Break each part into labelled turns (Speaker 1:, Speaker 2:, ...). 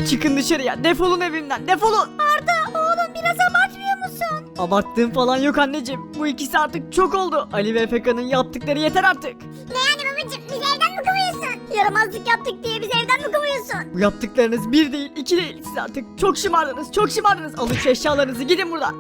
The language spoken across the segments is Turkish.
Speaker 1: Çıkın dışarıya, defolun evimden, defolun.
Speaker 2: Arda oğlum biraz abartmıyor musun?
Speaker 1: Abarttığım falan yok anneciğim. Bu ikisi artık çok oldu. Ali ve Efeka'nın yaptıkları yeter artık.
Speaker 2: Ne yani babacım bizi evden mi kovuyorsun? Yaramazlık yaptık diye bizi evden mi kovuyorsun?
Speaker 1: Bu yaptıklarınız bir değil, iki değil. Siz artık çok şımardınız, çok şımardınız. Alın şu eşyalarınızı, gidin buradan.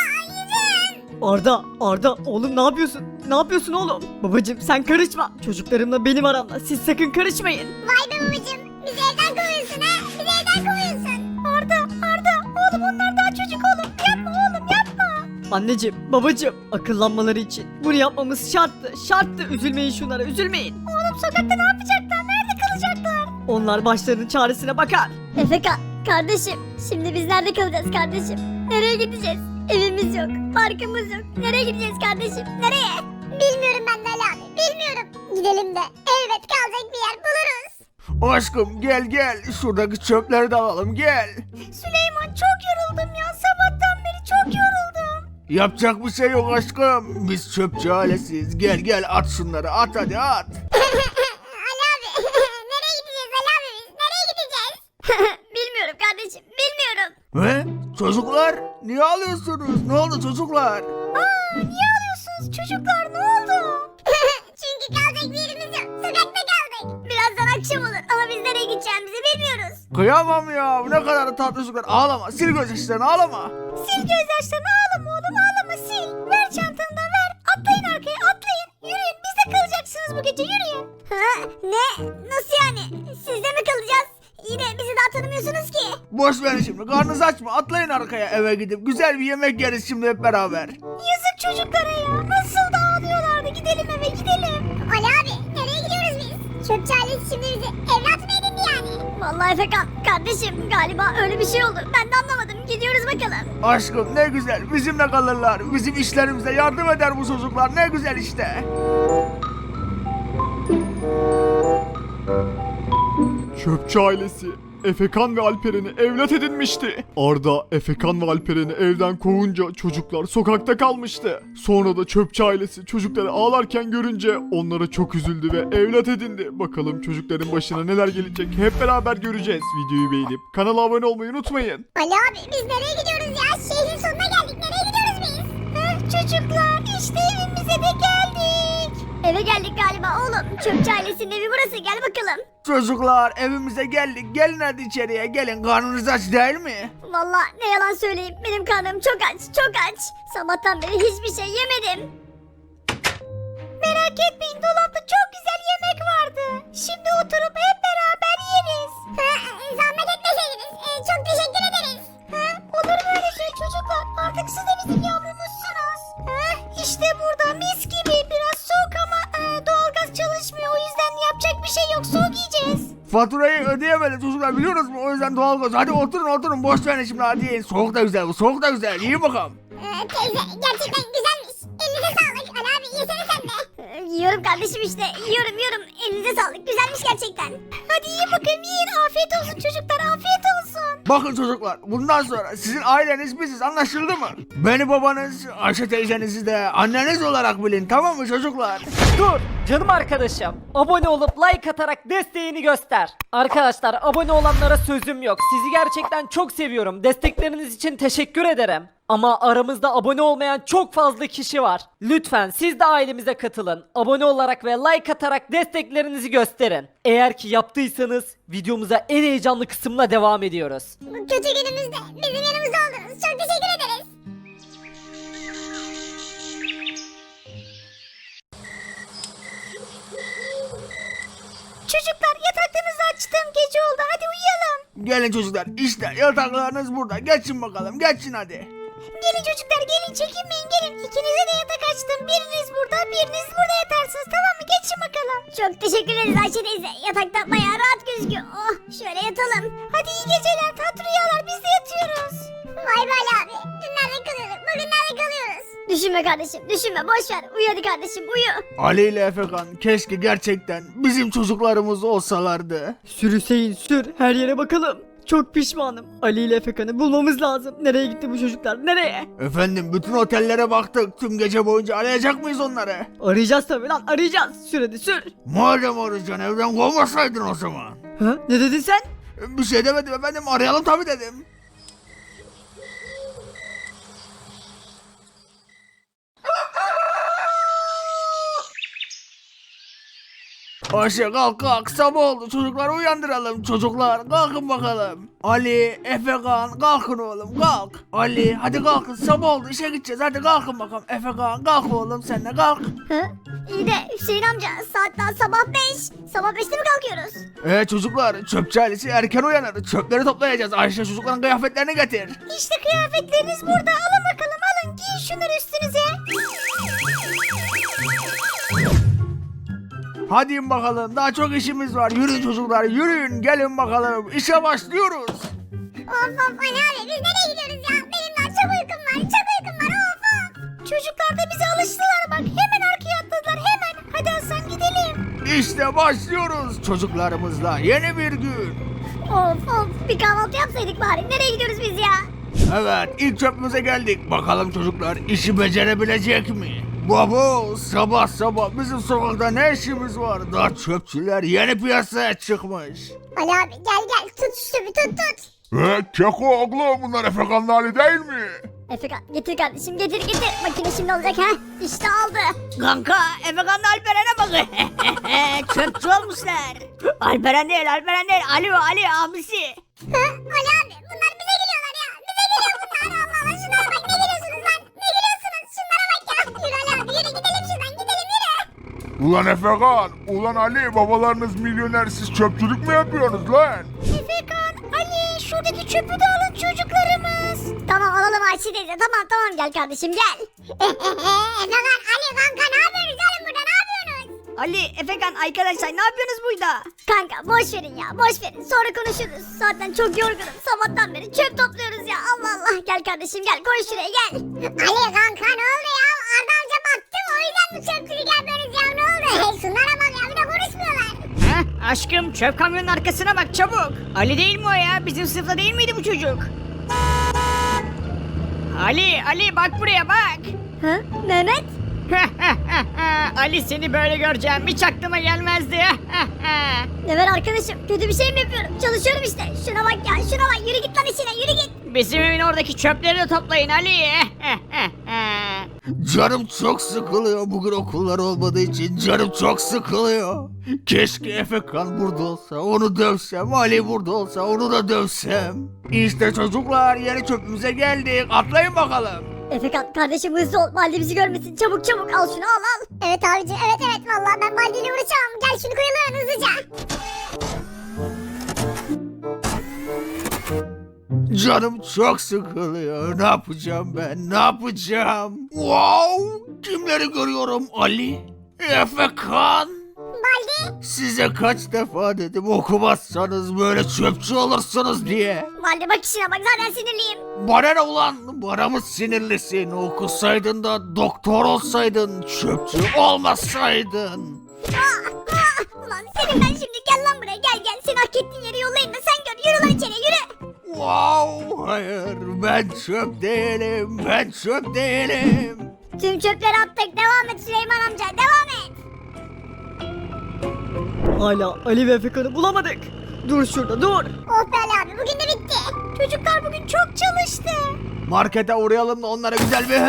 Speaker 1: Arda, oğlum ne yapıyorsun? Ne yapıyorsun oğlum? Babacım sen karışma. Çocuklarımla benim aramda. Siz sakın karışmayın.
Speaker 2: Vay be babacım bizi evden kovuyorsun ha? Bizi evden kovuyorsun. Arda oğlum onlar daha çocuk oğlum. Yapma oğlum yapma.
Speaker 1: Anneciğim, babacım, akıllanmaları için bunu yapmamız şarttı. Üzülmeyin şunlara, üzülmeyin.
Speaker 2: Oğlum sokakta ne yapacaklar? Nerede kalacaklar?
Speaker 1: Onlar başlarının çaresine bakar.
Speaker 2: Efeka kardeşim şimdi biz nerede kalacağız kardeşim? Nereye gideceğiz? Evimiz yok, parkımız yok. Nereye gideceğiz kardeşim? Nereye? Bilmiyorum ben de Ali abi, bilmiyorum. Gidelim de elbet kalacak bir yer buluruz.
Speaker 3: Aşkım gel şuradaki çöpleri de alalım gel.
Speaker 2: Süleyman çok yoruldum ya. Sabahtan beri çok yoruldum.
Speaker 3: Yapacak bir şey yok aşkım. Biz çöpçü ailesiyiz. Gel at şunları at hadi at.
Speaker 2: Ali abi nereye gideceğiz Ali abi biz? Nereye gideceğiz? Bilmiyorum kardeşim, bilmiyorum.
Speaker 3: He? Çocuklar niye ağlıyorsunuz? Ne oldu çocuklar?
Speaker 2: Niye ağlıyorsunuz çocuklar? Ne oldu? Çünkü kalacak bir yerimiz yok. Sokakta kaldık. Birazdan akşam olur ama biz nereye gideceğimizi bilmiyoruz.
Speaker 3: Kıyamam ya ne kadar da tatlı çocuklar. Ağlama sil gözyaşlarını ağlama.
Speaker 2: Sil gözyaşlarını ağlama oğlum ağlama sil. Ver çantanı da ver. Atlayın arkaya atlayın. Yürüyün biz de kalacaksınız bu gece yürüyün. Ha? Ne? Nasıl yani? Sizde mi kalacağız? Yine bizi daha tanımıyorsunuz ki.
Speaker 3: Boş verin şimdi karnınız aç mı? Atlayın arkaya eve gidip güzel bir yemek yeriz şimdi hep beraber.
Speaker 2: Yazık çocuklara ya. Nasıl da ağlıyorlardı. Gidelim eve gidelim. Ali abi nereye gidiyoruz biz? Çöpçü ailesi şimdi bizi evlat mı edindi yani? Vallahi Efekan kardeşim galiba öyle bir şey oldu. Ben de anlamadım. Gidiyoruz bakalım.
Speaker 3: Aşkım ne güzel bizimle kalırlar. Bizim işlerimize yardım eder bu çocuklar ne güzel işte.
Speaker 4: Çöpçü ailesi Efekan ve Alperen'i evlat edinmişti. Arda, Efekan ve Alperen'i evden kovunca çocuklar sokakta kalmıştı. Sonra da çöpçü ailesi çocukları ağlarken görünce onlara çok üzüldü ve evlat edindi. Bakalım çocukların başına neler gelecek hep beraber göreceğiz. Videoyu beğenip kanala abone olmayı unutmayın.
Speaker 2: Ali abi biz nereye gidiyoruz ya? Şehrin sonuna geldik. Nereye gidiyoruz biz? Çocuklar işte evimize de geldik. Eve geldik galiba oğlum. Çöpçü ailesinin evi burası. Gel bakalım.
Speaker 3: Çocuklar evimize geldik. Gelin hadi içeriye gelin. Karnınız aç değil mi?
Speaker 2: Vallahi ne yalan söyleyeyim. Benim karnım çok aç. Çok aç. Sabahtan beri hiçbir şey yemedim. Merak etmeyin dolapta çok güzel yemek vardı. Şimdi oturup hep beraber yeriz. Zahmet etmeseydiniz. Çok teşekkür ederiz. Olur mu öyle şey çocuklar? Artık siz de bizim yavrumuzsunuz. İşte burada mis gibi. Biraz soğuk ama doğalgaz çalışmıyor. O yüzden yapacak bir şey yok. Soğuk yiyeceğiz.
Speaker 3: Faturayı ödeyemedi çocuklar biliyoruz mu? O yüzden doğalgaz. Hadi oturun boş verin şimdi hadi yiyin. Soğuk da güzel bu soğuk da güzel. İyi bakalım.
Speaker 2: Teyze gerçekten güzelmiş. Elinize sağlık. Ali abi yesene sen de. Yiyorum kardeşim işte. Yiyorum. Elinize sağlık. Güzelmiş gerçekten. Hadi yiyin bakayım yiyin. Afiyet olsun çocuklar. Afiyet olsun.
Speaker 3: Bakın çocuklar bundan sonra sizin aileniz biziz anlaşıldı mı? Beni babanız, Ayşe teyzenizi de anneniz olarak bilin tamam mı çocuklar?
Speaker 1: Dur canım arkadaşım. Abone olup like atarak desteğini göster. Arkadaşlar abone olanlara sözüm yok. Sizi gerçekten çok seviyorum. Destekleriniz için teşekkür ederim. Ama aramızda abone olmayan çok fazla kişi var. Lütfen siz de ailemize katılın. Abone olarak ve like atarak desteklerinizi gösterin. Eğer ki yaptıysanız videomuza en heyecanlı kısımla devam ediyoruz.
Speaker 2: Bu kötü günümüzde bizim yanımızda oldunuz. Çok teşekkür ederiz. Çocuklar yataklarınızı açtım. Gece oldu. Hadi uyuyalım.
Speaker 3: Gelin çocuklar işte yataklarınız burada geçin bakalım geçin hadi.
Speaker 2: Gelin çocuklar gelin çekinmeyin gelin. İkinize de yatak açtım. Biriniz burada biriniz burada yatarsınız tamam mı? Geçin bakalım. Çok teşekkür ederiz Ayşe teyze. Yatakta bayağı rahat gözüküyor. Oh şöyle yatalım. Hadi iyi geceler tatlı rüyalar biz de yatıyoruz. Vay be Ali abi. Dün nerede kalıyorduk bugün nerede kalıyoruz? Düşünme kardeşim düşünme boş ver. Uyu hadi kardeşim uyu.
Speaker 3: Ali ile Efekan keşke gerçekten bizim çocuklarımız olsalardı.
Speaker 1: Sür Hüseyin sür, her yere bakalım. Çok pişmanım. Ali ile Efekan'ı bulmamız lazım. Nereye gitti bu çocuklar? Nereye?
Speaker 3: Efendim bütün otellere baktık tüm gece boyunca arayacak mıyız onları?
Speaker 1: Arayacağız tabii lan, arayacağız. Sür hadi sür.
Speaker 3: Madem arayacaksın evden kovmasaydın o zaman.
Speaker 1: Ha? Ne dedin sen?
Speaker 3: Bir şey demedim efendim, arayalım tabii dedim. Ayşe kalk kalk, sabah oldu, çocukları uyandıralım. Çocuklar kalkın bakalım. Ali, Efekan kalkın oğlum kalk. Ali hadi kalkın, sabah oldu, işe gideceğiz, hadi kalkın bakalım. Efekan kalk oğlum, sen de kalk.
Speaker 2: Hı? İyi de Hüseyin amca saat daha sabah 5. Sabah 5'te mi kalkıyoruz?
Speaker 3: Çocuklar, çöpçü ailesi erken uyanır, çöpleri toplayacağız. Ayşe çocukların kıyafetlerini getir.
Speaker 2: İşte kıyafetleriniz burada. Alın bakalım alın. Giyin şunları üstünüze.
Speaker 3: Hadi in bakalım, daha çok işimiz var. Yürüyün çocuklar, yürüyün, gelin bakalım, işe başlıyoruz.
Speaker 2: Of Ali abi biz nereye gidiyoruz ya? Benim daha çok uykum var. Çok uykum var. Of. Çocuklar da bize alıştılar bak. Hemen arkaya atladılar hemen. Hadi Hasan gidelim.
Speaker 3: İşte başlıyoruz çocuklarımızla yeni bir gün.
Speaker 2: Of bir kahvaltı yapsaydık bari. Nereye gidiyoruz biz ya?
Speaker 3: Evet, ilk çöpümüze geldik. Bakalım çocuklar işi becerebilecek mi? Baba, sabah sabah bizim sokakta ne işimiz var? Daha çöpçüler yeni piyasaya çıkmış.
Speaker 2: Ali abi gel tut şu bir tut.
Speaker 3: Keko oğlum, bunlar Efekan'ın hali değil mi?
Speaker 2: Efekan getir kardeşim getir. Makine şimdi olacak ha. İşte aldı.
Speaker 5: Kanka Efekan'la Alperen'e bakın. Çöpçü olmuşlar. Alperen değil Ali abisi.
Speaker 2: Ali abi bunlar bize geliyorlar ya. Bize geliyor bunlar. Allah Allah şunlara bak ne geliyorsunuz lan? Ne geliyorsunuz? Şunlara bak ya. Yürü Ali abi yürü gidelim şuradan gidelim yürü.
Speaker 3: Ulan Efekan, ulan Ali, babalarınız milyoner, siz çöpçülük mü yapıyorsunuz lan?
Speaker 2: Efekan, Ali şuradaki çöpü de alın çocuklarımız. Tamam alalım Ayşe teyze tamam gel kardeşim gel. Efekan, Ali kanka ne yapıyorsunuz oğlum burada ne yapıyorsunuz?
Speaker 5: Ali, Efekan arkadaşlar ne yapıyorsunuz burada?
Speaker 2: Kanka boş verin ya boş verin sonra konuşuruz. Zaten çok yorgunum sabahtan beri çöp topluyoruz ya Allah Allah. Gel kardeşim gel koy şuraya gel. Ali kanka ne oldu ya Arda amca baktı o yüzden bu çöpçülük yapıyoruz ya ne oldu? Şunlara bak ya bir de konuşmuyorlar.
Speaker 5: Heh, aşkım çöp kamyonun arkasına bak çabuk. Ali değil mi o ya? Bizim sınıfta değil miydi bu çocuk? Ali bak buraya bak.
Speaker 2: Hı? Mehmet?
Speaker 5: Ali seni böyle göreceğim hiç aklıma gelmezdi.
Speaker 2: Ne var arkadaşım kötü bir şey mi yapıyorum? Çalışıyorum işte. Şuna bak ya şuna bak yürü git lan işine yürü git.
Speaker 5: Bizim evin oradaki çöpleri de toplayın Ali.
Speaker 3: Canım çok sıkılıyor, bugün okullar olmadığı için canım çok sıkılıyor. Keşke Efekan burada olsa, onu dövsem, Ali burada olsa, onu da dövsem. İşte çocuklar, yeni çöpümüze geldik, atlayın bakalım.
Speaker 2: Efekan kardeşim hızlı ol. Baldi bizi görmesin. Çabuk al şunu al. Evet abicim evet vallahi ben Baldi ile uğraşamam. Gel şunu koyalım hızlıca.
Speaker 3: Canım çok sıkılıyor, ne yapacağım ben, ne yapacağım? Wow, kimleri görüyorum? Ali, Efekan.
Speaker 2: Baldi.
Speaker 3: Size kaç defa dedim okumazsanız böyle çöpçü olursunuz diye.
Speaker 2: Baldi bak işine bak zaten sinirliyim.
Speaker 3: Bana ne ulan? Bana mı sinirlisin? Okusaydın da doktor olsaydın, çöpçü olmasaydın.
Speaker 2: Ulan senin ben şimdi gel lan buraya gel. Seni hak ettiğin yere yollayayım da sen gör. Yürü lan içeriye yürü.
Speaker 3: Wow, hayır, ben çöp değilim.
Speaker 2: Tüm çöpleri attık. Devam et Süleyman amca devam et.
Speaker 1: Hala Ali ve Efekan'ı bulamadık. Dur şurada dur.
Speaker 2: Oh be Ali abi bugün de bitti. Çocuklar bugün çok çalıştı.
Speaker 3: Markete uğrayalım da onlara güzel bir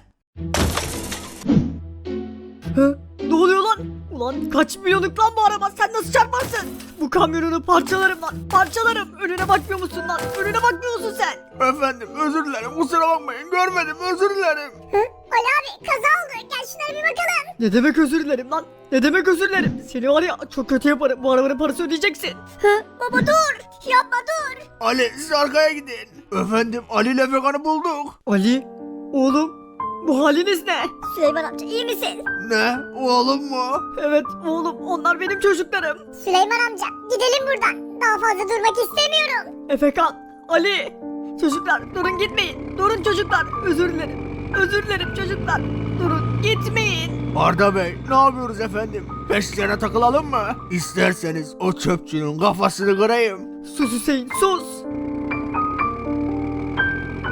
Speaker 1: Ne oluyor lan? Ulan kaç milyonluk lan bu araba sen nasıl çarparsın? Bu kamyonunu parçalarım lan parçalarım. Önüne bakmıyor musun lan? Önüne bakmıyor musun sen?
Speaker 3: Efendim özür dilerim, kusura bakmayın, görmedim, özür dilerim.
Speaker 2: Ali abi kaza oldu. Gel şunlara bir bakalım.
Speaker 1: Ne demek özür dilerim lan? Ne demek özür dilerim? Seni var ya çok kötü yaparım. Bu arabanın parası ödeyeceksin.
Speaker 2: Baba dur. Yapma dur.
Speaker 3: Ali, siz arkaya gidin. Efendim, Ali ile Efekan'ı bulduk.
Speaker 1: Ali, oğlum bu haliniz ne?
Speaker 2: Süleyman amca iyi misin?
Speaker 3: Ne, oğlum mu?
Speaker 1: Evet oğlum onlar benim çocuklarım.
Speaker 2: Süleyman amca gidelim buradan. Daha fazla durmak istemiyorum.
Speaker 1: Efekan, Ali. Çocuklar durun gitmeyin. Durun çocuklar. Özür dilerim. Özür dilerim çocuklar. Durun gitmeyin.
Speaker 3: Arda Bey, ne yapıyoruz efendim? Peşlerine takılalım mı? İsterseniz o çöpçünün kafasını kırayım.
Speaker 1: Sus Hüseyin sus.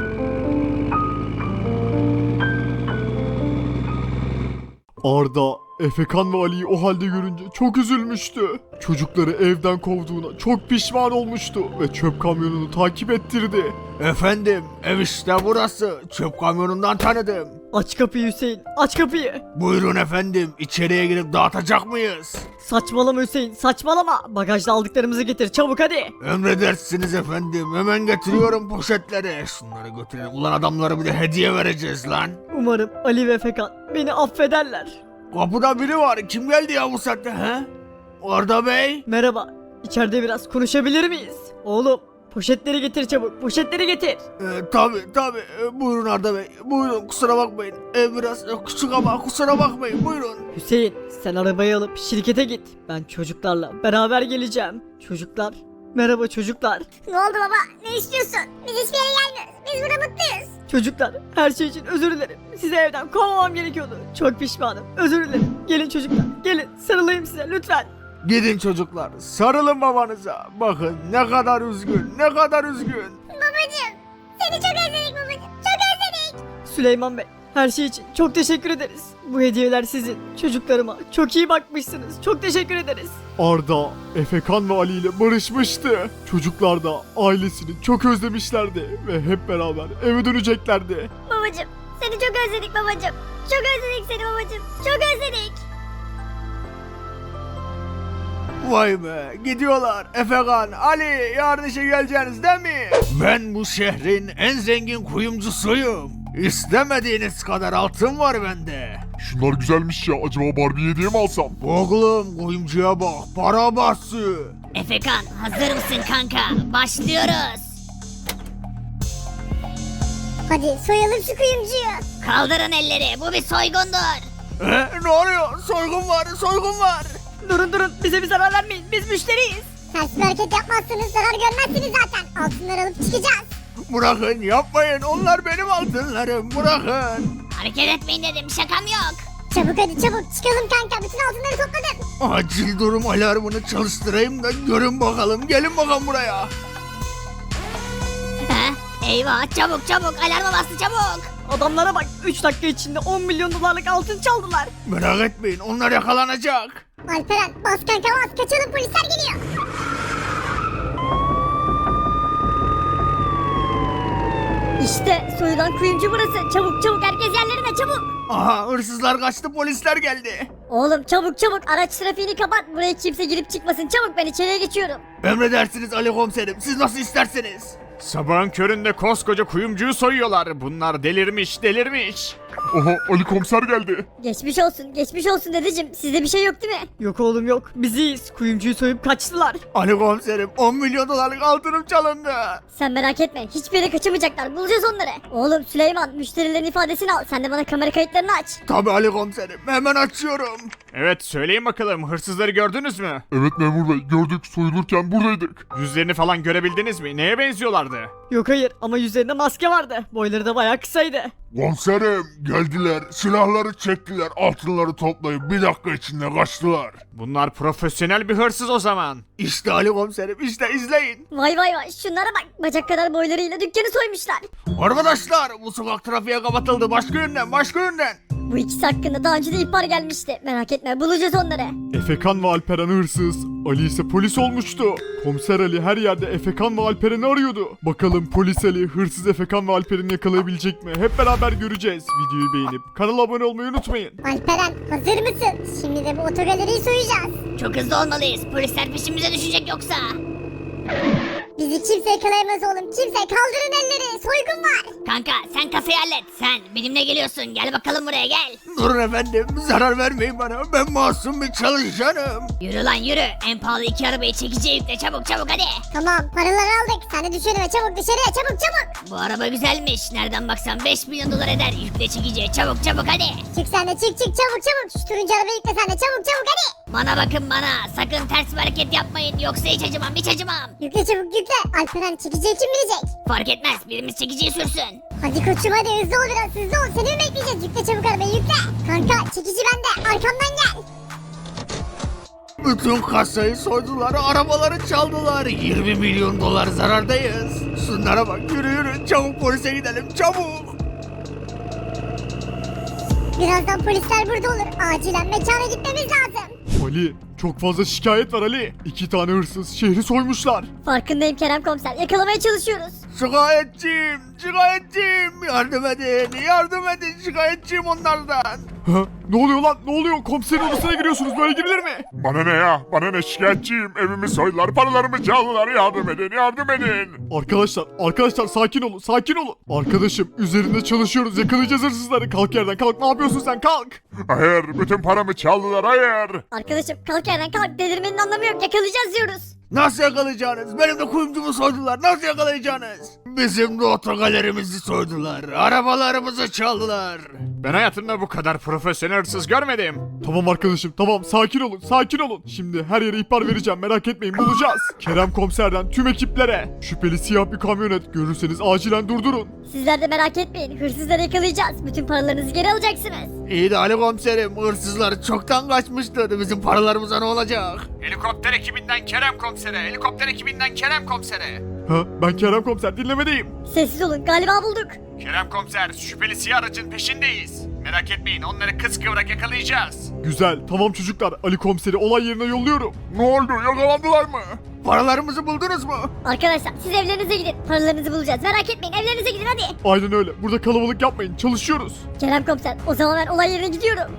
Speaker 4: Arda, Efekan ve Ali'yi o halde görünce çok üzülmüştü. Çocukları evden kovduğuna çok pişman olmuştu ve çöp kamyonunu takip ettirdi.
Speaker 3: Efendim, ev işte burası. Çöp kamyonundan tanıdım.
Speaker 1: Aç kapıyı Hüseyin, aç kapıyı.
Speaker 3: Buyurun efendim, içeriye girip dağıtacak mıyız?
Speaker 1: Saçmalama Hüseyin, saçmalama. Bagajda aldıklarımızı getir çabuk hadi.
Speaker 3: Emredersiniz efendim, hemen getiriyorum poşetleri. Şunları götürelim, ulan adamlara bir de hediye vereceğiz lan.
Speaker 1: Umarım Ali ve Efekan beni affederler.
Speaker 3: Kapıda biri var, kim geldi ya bu saatte he? Arda Bey?
Speaker 1: Merhaba, içeride biraz konuşabilir miyiz? Oğlum, poşetleri getir çabuk, poşetleri getir.
Speaker 3: Tabi, buyurun Arda Bey, buyurun kusura bakmayın. Ev biraz küçük ama kusura bakmayın, buyurun.
Speaker 1: Hüseyin, sen arabayı alıp şirkete git. Ben çocuklarla beraber geleceğim. Çocuklar, merhaba çocuklar.
Speaker 2: Ne oldu baba? Ne istiyorsun? Biz hiçbir yere gelmiyoruz. Biz burada mutluyuz.
Speaker 1: Çocuklar, her şey için özür dilerim. Sizi evden kovmamam gerekiyordu. Çok pişmanım, özür dilerim. Gelin çocuklar, gelin sarılayım size lütfen.
Speaker 3: Gidin çocuklar, sarılın babanıza. Bakın ne kadar üzgün, ne kadar üzgün.
Speaker 2: Babacım. Seni çok özledik babacım. Çok özledik.
Speaker 1: Süleyman Bey, her şey için çok teşekkür ederiz. Bu hediyeler sizin. Çocuklarıma çok iyi bakmışsınız. Çok teşekkür ederiz.
Speaker 4: Arda, Efekan ve Ali ile barışmıştı. Çocuklar da ailesini çok özlemişlerdi ve hep beraber eve döneceklerdi.
Speaker 2: Babacım. Seni çok özledik babacım. Çok özledik seni babacım. Çok özledik.
Speaker 3: Vay be, gidiyorlar. Efekan, Ali, yarın işe geleceğiniz değil mi? Ben bu şehrin en zengin kuyumcusuyum. İstemediğiniz kadar altın var bende.
Speaker 4: Şunlar güzelmiş ya. Acaba Barbie hediye mi alsam?
Speaker 3: Oğlum, kuyumcuya bak, para bastı.
Speaker 5: Efekan hazır mısın kanka? Başlıyoruz.
Speaker 2: Hadi soyalım şu kuyumcuyu.
Speaker 5: Kaldırın elleri, bu bir soygundur.
Speaker 3: Ne oluyor? Soygun var, soygun var.
Speaker 1: Durun, bize bir zarar vermeyin. Biz müşteriyiz.
Speaker 2: Ters bir hareket yapmazsanız zarar görmezsiniz zaten. Altınları alıp çıkacağız.
Speaker 3: Bırakın, yapmayın. Onlar benim altınlarım. Bırakın.
Speaker 5: Hareket etmeyin dedim, şakam yok.
Speaker 2: Çabuk hadi çabuk çıkalım kanka. Bütün altınları topladım.
Speaker 3: Acil durum alarmını çalıştırayım da görün bakalım. Gelin bakalım buraya.
Speaker 5: Ha? Eyvah, çabuk alarma bastı çabuk.
Speaker 1: Adamlara bak, 3 dakika içinde 10 milyon dolarlık altın çaldılar.
Speaker 3: Merak etmeyin, onlar yakalanacak.
Speaker 2: Alperen bas kanka bas. Kaçalım polisler geliyor.
Speaker 1: İşte soyulan kuyumcu burası. Çabuk herkes yerlerine çabuk.
Speaker 3: Aha, hırsızlar kaçtı, polisler geldi.
Speaker 2: Oğlum çabuk araç trafiğini kapat. Buraya kimse girip çıkmasın. Çabuk ben içeriye geçiyorum.
Speaker 3: Emredersiniz Ali komiserim, siz nasıl isterseniz.
Speaker 4: Sabahın köründe koskoca kuyumcuyu soyuyorlar. Bunlar delirmiş. Oha, Ali komiser geldi.
Speaker 2: Geçmiş olsun dedeciğim. Sizde bir şey yok değil mi?
Speaker 1: Yok oğlum yok. Biz iyiyiz. Kuyumcuyu soyup kaçtılar.
Speaker 3: Ali komiserim, 10 milyon dolarlık altınım çalındı.
Speaker 2: Sen merak etme. Hiçbir yere kaçamayacaklar. Bulacağız onları. Oğlum Süleyman müşterilerin ifadesini al. Sen de bana kamera kayıtlarını aç.
Speaker 3: Tabii Ali komiserim, hemen açıyorum.
Speaker 4: Evet, söyleyin bakalım, hırsızları gördünüz mü?
Speaker 6: Evet memur bey, gördük, soyulurken buradaydık.
Speaker 4: Yüzlerini falan görebildiniz mi? Neye benziyorlardı?
Speaker 1: Yok hayır ama yüzlerinde maske vardı. Boyları da bayağı kısaydı.
Speaker 6: Komiserim geldiler, silahları çektiler, altınları toplayıp bir dakika içinde kaçtılar.
Speaker 4: Bunlar profesyonel bir hırsız o zaman.
Speaker 3: İşte Ali komiserim, işte izleyin.
Speaker 2: Vay şunlara bak. Bacak kadar boylarıyla dükkanı soymuşlar.
Speaker 3: Arkadaşlar, bu sokak trafiğe kapatıldı, başka yönden.
Speaker 2: Bu ikisi hakkında daha önce de ihbar gelmişti. Merak etme bulacağız onları.
Speaker 4: Efekan ve Alperen hırsız. Ali ise polis olmuştu. Komiser Ali her yerde Efekan ve Alperen'i arıyordu. Bakalım polis Ali hırsız Efekan ve Alperen'i yakalayabilecek mi? Hep beraber göreceğiz. Videoyu beğenip kanala abone olmayı unutmayın.
Speaker 2: Alperen hazır mısın? Şimdi de bu otogaleriyi soyacağız.
Speaker 5: Çok hızlı olmalıyız, polisler peşimize düşecek yoksa.
Speaker 2: Bizi kimse yakalayamaz oğlum. Kimse kaldırın elleri. Soygun var.
Speaker 5: Kanka sen kasayı hallet, sen benimle geliyorsun, gel bakalım buraya gel.
Speaker 3: Durun efendim, zarar vermeyin bana, ben masum bir çalışanım.
Speaker 5: Yürü lan yürü, en pahalı 2 arabayı çekiciye yükle, çabuk hadi.
Speaker 2: Tamam paraları aldık. Sen de düşürme çabuk dışarıya çabuk.
Speaker 5: Bu araba güzelmiş, nereden baksan 5 milyon dolar eder, yükle çekiciye çabuk hadi.
Speaker 2: Çık sen de çık çabuk. Şu turuncu arabayı yükle sen de çabuk hadi.
Speaker 5: Bana bakın bana, sakın ters bir hareket yapmayın, yoksa hiç acımam.
Speaker 2: Yükle çabuk yükle. Alperen çekiciye kim binecek?
Speaker 5: Fark etmez, birimiz çekiciyi sürsün.
Speaker 2: Hadi koçum hadi hızlı ol biraz hızlı ol. Seni mi bekleyeceğiz? Yükle çabuk arabayı yükle. Kanka çekici bende arkamdan gel.
Speaker 3: Bütün kasayı soydular, arabaları çaldılar. 20 milyon dolar zarardayız. Şunlara bak, yürü çabuk polise gidelim, çabuk.
Speaker 2: Birazdan polisler burada olur. Acilen mekana gitmemiz lazım.
Speaker 4: Ali çok fazla şikayet var Ali. 2 tane hırsız şehri soymuşlar.
Speaker 2: Farkındayım Kerem komiser. Yakalamaya çalışıyoruz.
Speaker 3: Şikayetçiyim, şikayetçiyim. Yardım edin şikayetçiyim onlardan.
Speaker 4: Ha? Ne oluyor lan? Ne oluyor? Komiserin odasına giriyorsunuz. Böyle girilir mi?
Speaker 6: Bana ne ya? Bana ne, şikayetçiyim. Evimi soydular, paralarımı çaldılar. Yardım edin, yardım edin.
Speaker 4: Arkadaşlar sakin olun, sakin olun. Arkadaşım üzerinde çalışıyoruz. Yakalayacağız hırsızları. Kalk yerden kalk. Ne yapıyorsun sen? Kalk.
Speaker 6: Hayır, bütün paramı çaldılar, hayır.
Speaker 2: Arkadaşım kalk yerden kalk. Delirmenin anlamı yok. Yakalayacağız diyoruz.
Speaker 3: Nasıl yakalayacaksınız? Benim de kuyumcumu soydular. Nasıl yakalayacaksınız? Bizim de otogalerimizi soydular. Arabalarımızı çaldılar.
Speaker 7: Ben hayatımda bu kadar profesyonel hırsız görmedim.
Speaker 4: Tamam arkadaşım tamam sakin olun sakin olun. Şimdi her yere ihbar vereceğim merak etmeyin bulacağız. Kerem komiserden tüm ekiplere. Şüpheli siyah bir kamyonet görürseniz acilen durdurun.
Speaker 2: Sizler de merak etmeyin. Hırsızları yakalayacağız. Bütün paralarınızı geri alacaksınız.
Speaker 3: İyi de Ali komiserim, hırsızlar çoktan kaçmıştı. Bizim paralarımıza ne olacak?
Speaker 7: Helikopter ekibinden Kerem komisere, helikopter ekibinden Kerem komisere.
Speaker 4: Ha ben Kerem komiser dinlemedeyim.
Speaker 2: Sessiz olun. Galiba bulduk.
Speaker 7: Kerem komiser, şüpheli siyah aracın peşindeyiz. Merak etmeyin, onları kıskıvrak yakalayacağız.
Speaker 4: Güzel tamam çocuklar Ali komiseri olay yerine yolluyorum.
Speaker 6: Ne oldu, yakalandılar mı?
Speaker 3: Paralarımızı buldunuz mu?
Speaker 2: Arkadaşlar siz evlerinize gidin. Paralarınızı bulacağız. Merak etmeyin. Evlerinize gidin hadi.
Speaker 4: Aynen öyle burada kalabalık yapmayın çalışıyoruz.
Speaker 2: Kerem komiser o zaman ben olay yerine gidiyorum.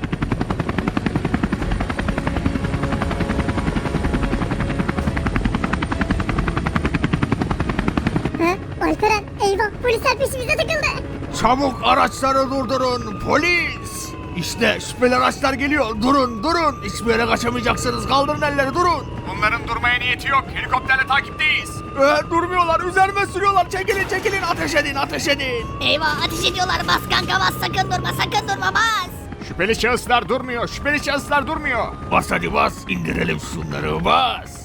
Speaker 2: Alperen eyvah polisler peşimize takıldı.
Speaker 3: Çabuk araçları durdurun polis. İşte şüpheli araçlar geliyor. Durun. Hiçbir yere kaçamayacaksınız. Kaldırın elleri durun.
Speaker 7: Bunların durmaya niyeti yok, helikopterle takipteyiz.
Speaker 3: Durmuyorlar. Üzerime sürüyorlar. Çekilin. Ateş edin.
Speaker 2: Eyvah ateş ediyorlar. Bas kanka bas. Sakın durma bas.
Speaker 7: Şüpheli şahıslar durmuyor.
Speaker 3: Bas hadi bas. İndirelim şunları bas.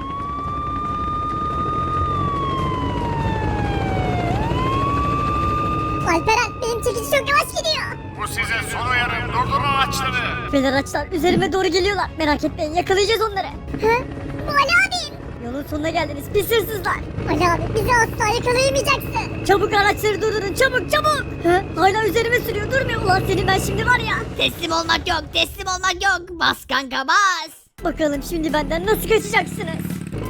Speaker 2: Alperen benim çekici çok yavaş gidiyor.
Speaker 7: Bu sizin son uyarım, durdurun araçları.
Speaker 2: Şüpheli araçlar üzerime doğru geliyorlar. Merak etmeyin yakalayacağız onları. Bu Ali abim. Yolun sonuna geldiniz pis hırsızlar. Ali abi bizi asla yakalayamayacaksın. Çabuk araçları durdurun çabuk. Hala üzerime sürüyor durmuyor. Ulan senin ben şimdi var ya. Teslim olmak yok. Bas kanka bas. Bakalım şimdi benden nasıl kaçacaksınız?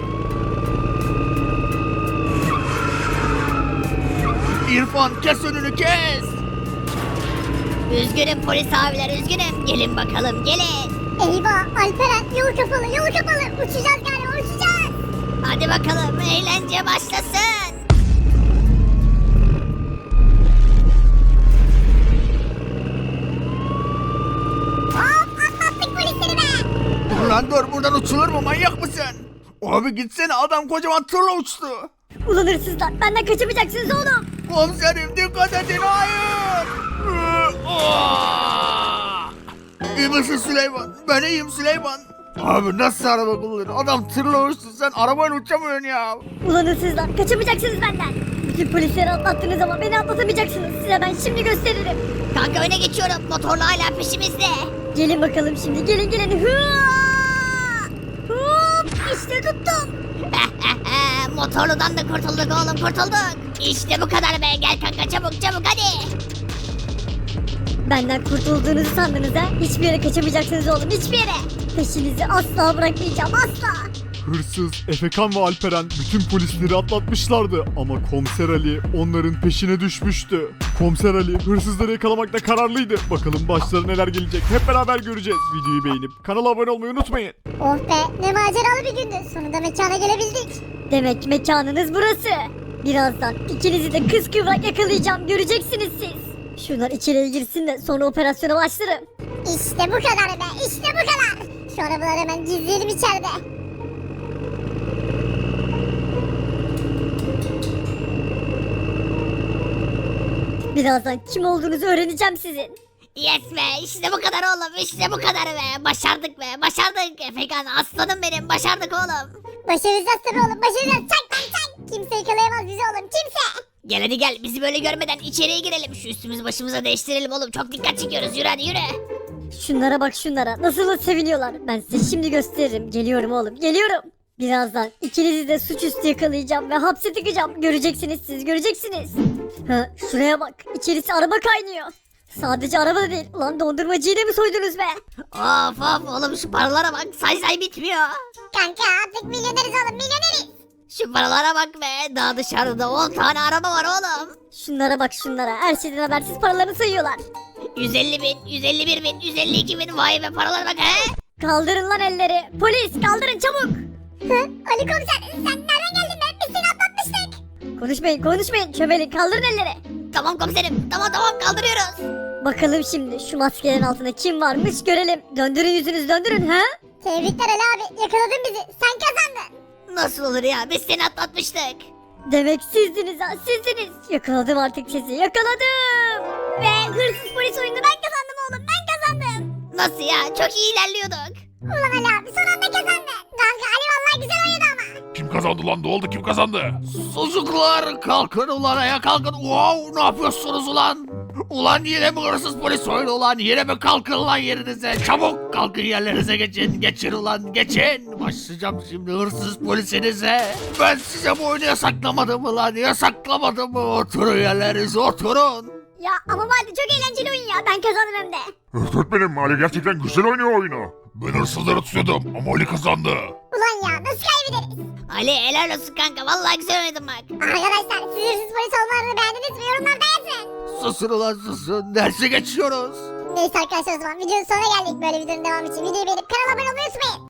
Speaker 3: İrfan kes önünü kes.
Speaker 2: Üzgünüm polis abiler üzgünüm. Gelin bakalım gelin. Eyvah Alperen yol kapalı. Uçacağız galiba uçacağız. Hadi bakalım eğlence başlasın. Hop atlattık polisleri be.
Speaker 3: Dur lan dur, buradan uçulur mu, manyak mısın? Abi gitsene, adam kocaman tırla uçtu.
Speaker 2: Ulan hırsızlar benden kaçamayacaksınız oğlum.
Speaker 3: Komiserim dikkat edin, hayır. İyi misin Süleyman? Ben iyiyim Süleyman. Abi nasıl araba kullanır? Adam tırla uçtu, sen arabayla uçamıyorsun ya.
Speaker 2: Ulan hırsızlar kaçamayacaksınız benden. Bütün polisleri atlattınız ama beni atlatamayacaksınız. Size ben şimdi gösteririm. Kanka öne geçiyorum. Motorlu hala peşimizde. Gelin bakalım şimdi. Gelin. Hop işte tuttum. Motorludan da kurtulduk oğlum kurtulduk. İşte bu kadar be. Gel kanka çabuk hadi. Benden kurtulduğunuzu sandınız ha? Hiçbir yere kaçamayacaksınız oğlum hiçbir yere. Peşinizi asla bırakmayacağım asla.
Speaker 4: Hırsız, Efekan ve Alperen bütün polisleri atlatmışlardı ama Komiser Ali onların peşine düşmüştü. Komiser Ali hırsızları yakalamakta kararlıydı. Bakalım başlarına neler gelecek hep beraber göreceğiz. Videoyu beğenip kanala abone olmayı unutmayın.
Speaker 2: Oh be ne maceralı bir gündü. Sonunda mekana gelebildik. Demek mekanınız burası. Birazdan ikinizi de kıskıvrak yakalayacağım göreceksiniz siz. Şunlar içeriye girsin de sonra operasyona başlarım. İşte bu kadar be işte bu kadar. Şu arabaları hemen gizleyelim içeride. Birazdan kim olduğunuzu öğreneceğim sizin. Yes be işte bu kadar oğlum işte bu kadar be. Başardık Efekan aslanım benim başardık oğlum. Başaracağız tabii oğlum başaracağız çak. Kimse yakalayamaz bizi oğlum kimse. Gel hadi gel bizi böyle görmeden içeriye girelim. Şu üstümüzü başımıza değiştirelim oğlum çok dikkat çekiyoruz yürü hadi yürü. Şunlara bak şunlara nasıl da seviniyorlar. Ben size şimdi gösteririm geliyorum oğlum geliyorum. Birazdan ikinizi de suçüstü yakalayacağım ve hapse tıkacağım. Göreceksiniz siz göreceksiniz. Ha şuraya bak içerisi araba kaynıyor. Sadece araba da değil. Ulan dondurmacıyı da mı soydunuz be?
Speaker 5: Of of oğlum şu paralara bak say bitmiyor.
Speaker 2: Kanka artık milyoneriz oğlum milyoneriz.
Speaker 5: Şu paralara bak be daha dışarıda 10 tane araba var oğlum.
Speaker 2: Şunlara bak şunlara. Her şeyden habersiz paralarını sayıyorlar.
Speaker 5: 150 bin, 151 bin, 152 bin vay be paralara bak he.
Speaker 2: Kaldırın lan elleri. Polis kaldırın çabuk. Ali komiser sen nereden geldin be? Biz seni atlatmıştık. Konuşmayın. Çömelin kaldırın elleri.
Speaker 5: Tamam komiserim tamam kaldırıyoruz.
Speaker 2: Bakalım şimdi şu maskelerin altında kim varmış görelim. Döndürün yüzünüzü döndürün ha. Tebrikler Ali abi yakaladın bizi. Sen kazandın.
Speaker 5: Nasıl olur ya biz seni atlatmıştık.
Speaker 2: Demek sizdiniz ha sizdiniz. Yakaladım artık sizi yakaladım. Ve hırsız polis oyunu ben kazandım oğlum ben kazandım.
Speaker 5: Nasıl ya çok iyi ilerliyorduk.
Speaker 2: Ulan Ali abi son anda kazandın. Kanka Ali vallahi güzel oynadı ama.
Speaker 6: Kim kazandı lan? Ne oldu? Kim kazandı?
Speaker 3: Çocuklar kalkın ulan ayağa kalkın. Wow ne yapıyorsunuz ulan? Ulan yine mi hırsız polis oyunu ulan? Yine mi kalkın lan yerinize? Çabuk kalkın yerlerinize geçin. Geçin ulan geçin. Başlayacağım şimdi hırsız polisinize. Ben size bu oyunu yasaklamadım mı lan? Yasaklamadım mı? Oturun yerlerinize oturun.
Speaker 2: Ya ama vardı çok eğlenceli oyun ya ben kazandım hem de.
Speaker 6: Öğretmenim Ali gerçekten güzel oynuyor oyunu. Ben hırsızları tutuyordum ama Ali kazandı.
Speaker 2: Ulan ya nasıl kaybederiz?
Speaker 5: Ali helal olsun kanka vallahi güzel oynadın bak.
Speaker 2: Arkadaşlar siz hırsız polis olmalarını beğendiniz mi? Yorumlarda yazın.
Speaker 3: Susun ulan susun. Derse geçiyoruz.
Speaker 2: Neyse arkadaşlar o zaman videonun sonuna geldik. Böyle videonun devamı için videoyu beğenip kanala abone olmayı unutmayın.